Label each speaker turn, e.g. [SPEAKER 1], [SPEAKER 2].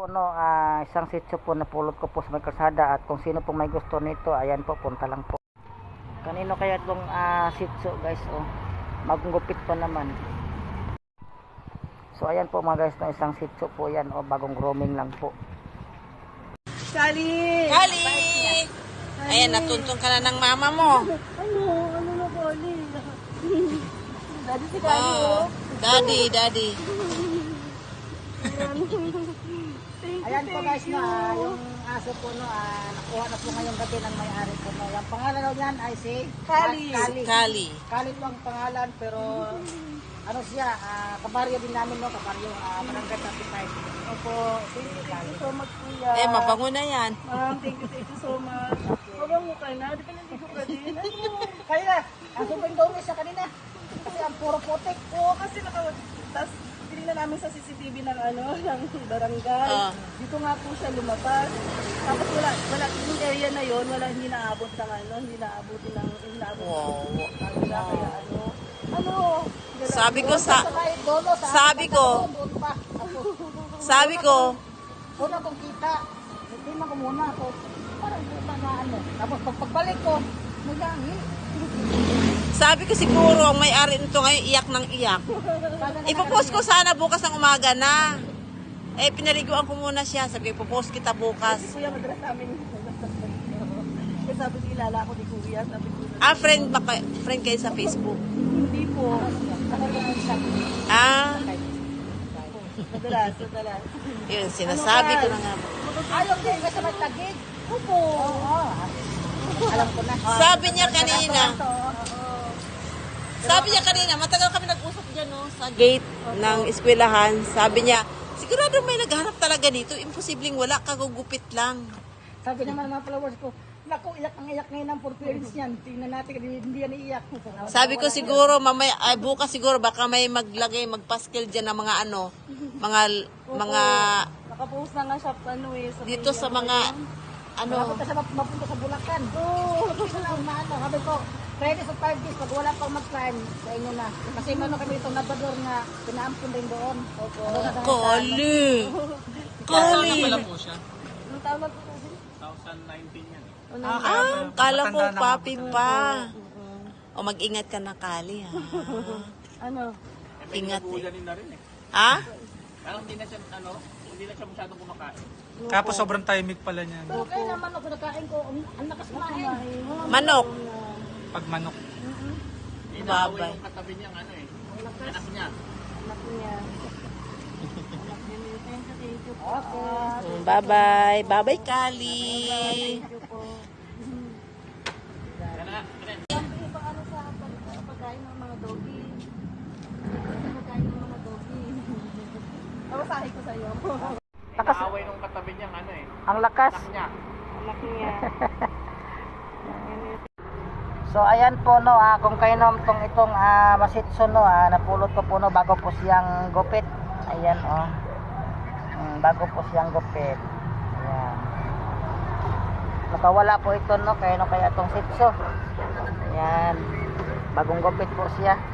[SPEAKER 1] No, isang sitso po na pulot ko po sa may kalsada at kung sino pong may gusto nito, ayan po, punta lang po. Kanino kaya itong sitso guys, oh, magugupit pa naman. So ayan po mga guys, no, isang sitso po yan, oh, bagong grooming lang po.
[SPEAKER 2] Kali!
[SPEAKER 3] Kali! Ayan, natuntun ka na ng mama mo.
[SPEAKER 2] Ano na Kali? Daddy si Kali, oh.
[SPEAKER 3] Daddy.
[SPEAKER 1] Ayan po guys, no, yung aso po, no, nakuha na po ngayong gabi ng may-ari po, no. Yung pangalan daw niyan ay si
[SPEAKER 2] Kali.
[SPEAKER 3] Kali.
[SPEAKER 1] Kali po ang pangalan, pero ano siya, kabaryo din namin, no, kabaryo, barangay 35.
[SPEAKER 2] Opo, thank you so much, kuya.
[SPEAKER 3] Mabango na yan.
[SPEAKER 2] Ma'am, thank you so much. Mabango ka na, di ba nandito ka din?
[SPEAKER 1] Kaya, ang sobrang daw siya kanina, kasi ang puro putik.
[SPEAKER 2] Oo, kasi tapos tinignan namin sa CCTV ng ng barangay. Dito nga po siya lumabas. Tapos wala yung area na yon, hindi naabot ng
[SPEAKER 3] Wow.
[SPEAKER 2] Ano?
[SPEAKER 3] Sabi ko,
[SPEAKER 1] una kong kita, tingnan ko muna ako, parang puta na ano. Tapos pagbalik ko, nagangi.
[SPEAKER 3] sabi ko siguro ang may-ari nito ngayon iyak ng iyak. Ipopost ko sana bukas ng umaga na. Pinaliguan ko muna siya. Sabi ko, ipopost kita bukas.
[SPEAKER 2] Si Kuya madalas namin. Kasi sabi ko, ilala ko ni Kuya. Sabi ko,
[SPEAKER 3] Friend kayo sa Facebook.
[SPEAKER 2] hindi po. Madalas.
[SPEAKER 3] Yun, sinasabi ko na nga.
[SPEAKER 1] Ayaw din kasi may tagig.
[SPEAKER 2] Opo.
[SPEAKER 1] Oo. Alam ko na.
[SPEAKER 3] Sabi niya kanina, matagal kami nag-usap dyan, no, sa gate ng eskwelahan. Sabi niya, sigurado may naghanap talaga dito. Imposibleng wala, kagugupit lang.
[SPEAKER 1] Sabi naman ng mga followers ko, naku, iyak ngayon ang for parents niyan. Tingnan natin, hindi yan iiyak.
[SPEAKER 3] Sabi ko siguro, bukas siguro, baka may magpaskil dyan ng mga mga
[SPEAKER 2] Nakapost na nga siya
[SPEAKER 3] dito sa mga,
[SPEAKER 1] Dapat kasi mapunta sa Bulacan. Oo. Sabi ko, pwede sa 5 days, pag wala pang mag-plan, sa inyo na. Kasi mano kami itong nabador na pinaampun din doon.
[SPEAKER 3] Kali.
[SPEAKER 4] Sana pala po siya.
[SPEAKER 2] Ang tama po kasi.
[SPEAKER 4] 2019 yan.
[SPEAKER 3] Kala ko papi pa. O mag-ingat ka na, Kali, ha.
[SPEAKER 2] Ano?
[SPEAKER 3] Ingat eh.
[SPEAKER 4] Kuya na rin eh.
[SPEAKER 3] Ha?
[SPEAKER 4] Parang hindi na siya masyadong kumakain.
[SPEAKER 5] Tapos sobrang timing pala niya.
[SPEAKER 1] Pero kaya naman ako nakain ko, ang lakas kumain.
[SPEAKER 3] Manok.
[SPEAKER 5] Pag manok.
[SPEAKER 3] Babay.
[SPEAKER 4] Yung katabi niyang anak niya.
[SPEAKER 2] Anak niya. Thank you po.
[SPEAKER 1] Okay.
[SPEAKER 3] Bye-bye. Bye-bye, Kali.
[SPEAKER 2] Thank you po.
[SPEAKER 4] Kaya
[SPEAKER 2] Pang ano sa pagkain ng mga doggy. Pagkain ng mga doggy. Masahe ko sa'yo.
[SPEAKER 4] inaaway nung katabi niyang
[SPEAKER 1] Ang lakas.
[SPEAKER 4] anak niya.
[SPEAKER 2] Anak niya.
[SPEAKER 1] So ayan po, no, kung kayo naman itong masitso, no, napulot ko po, no, bago po siyang gupit. Ayan, oh. Bago po siyang gupit. Ayan. Nakawala po ito, no, kaya itong sitso. Ayan. Bagong gupit po siya.